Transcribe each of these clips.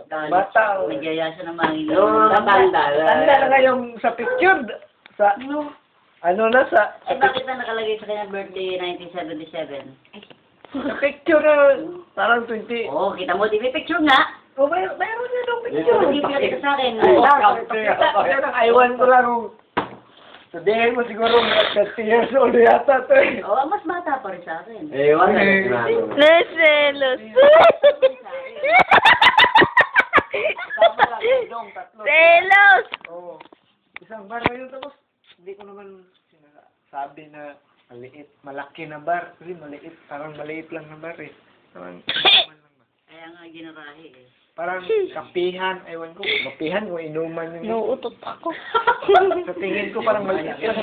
Bata. Nagyaya siya ng mangin. Tanda na ngayong sa picture. Sa, ano na sa... Eh, bakit na nakalagay sa kanyang birthday 1977? Sa picture na parang 20. Oo, kita mo, di may picture nga. Oh, mayroon na yung picture. Hindi pinakita sa akin. Iwan ko lang kung... Sabihin mo siguro 30 years old yata to eh. Oo, mas bata pa rin sa akin. Ewan na. Naselos. Selos! Oo. Isang bar ngayon tapos hindi ko naman sinasabi na maliit, malaki na bar. Kasi maliit, parang maliit lang na bar eh. Parang Kaya nga ginarahe eh. parang kapihan, ewan ko, kapihan kung inuman yung... Nauutot ako. Sa tingin ko parang maliit lang.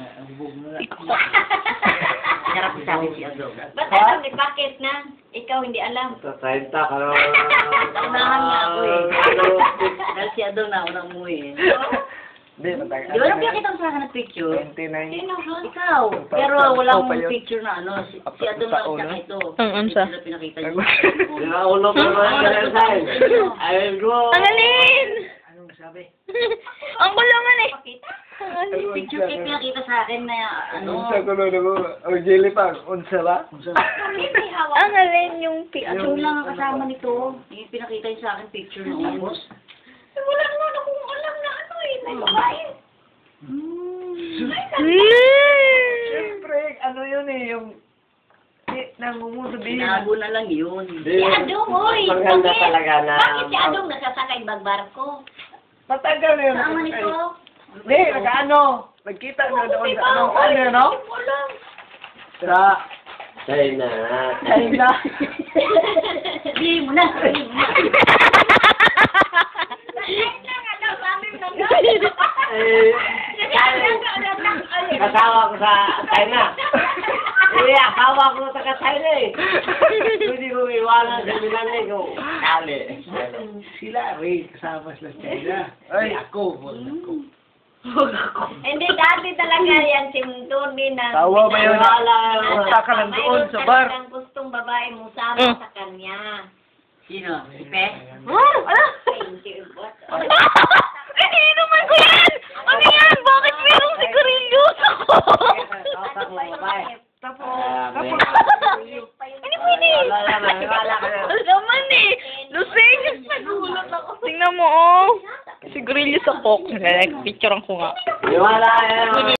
Harap sa akin si Adong. Ba't alam ni Bakit na? Ikaw hindi alam. Sa 30 ka na. Naunahan nga ako eh. Dahil si Adong na unang umuwi eh. Hindi, matagal. Di ba nang pinakita mo sa akin ng picture? 29. Sino ha? Ikaw. Pero walang pa yun. picture na ano. Si Adong lang siya ito. Ang unsa? Hindi sila pinakita niyo. Ulo ko naman sa akin. Ayun ko. Ang alin! Anong sabi? Ang kulungan eh. Picture kayo pinakita sa akin na ano. Unsa ko na mo? O, jelly pa. Unsa ba? May hawak. Ang alin yung picture. Adong lang ang kasama nito. Yung pinakita niyo sa akin picture noon. Wala naman akong alam na ano eh. May babae. Siyempre, ano yun eh, yung... Nangungusabihin. Sinago na lang yun. Si Adong, oy. Maganda talaga na. Bakit si Adong nasasakay bagbarko? Matagal na yun. Sama nito. Hindi, nag-ano. Nagkita na doon sa ano, no? Wala. Sa China. China. Sabihin mo na. Sabihin mo na. Kasawa ko sa China. Asawa ko sa China eh. Hindi ko iwanan sa Milan ko. Kali. Sila, wait, kasama sila sa China. Ay, ako. Hindi, dati talaga yan si Tony na... Tawa ba yun? Punta ka lang doon sa bar. Mayroon talagang gustong babae mo sama sa kanya. Sino? Si Pe? Thank you. Iniinuman ko yan! Ano yan? Bakit mayroong sigarilyos ako? Tapos, Ano mo ini? Ano naman eh? Lusing! Tingnan mo oh. Sigarilyos ako. Picture ko nga. Iwala yan.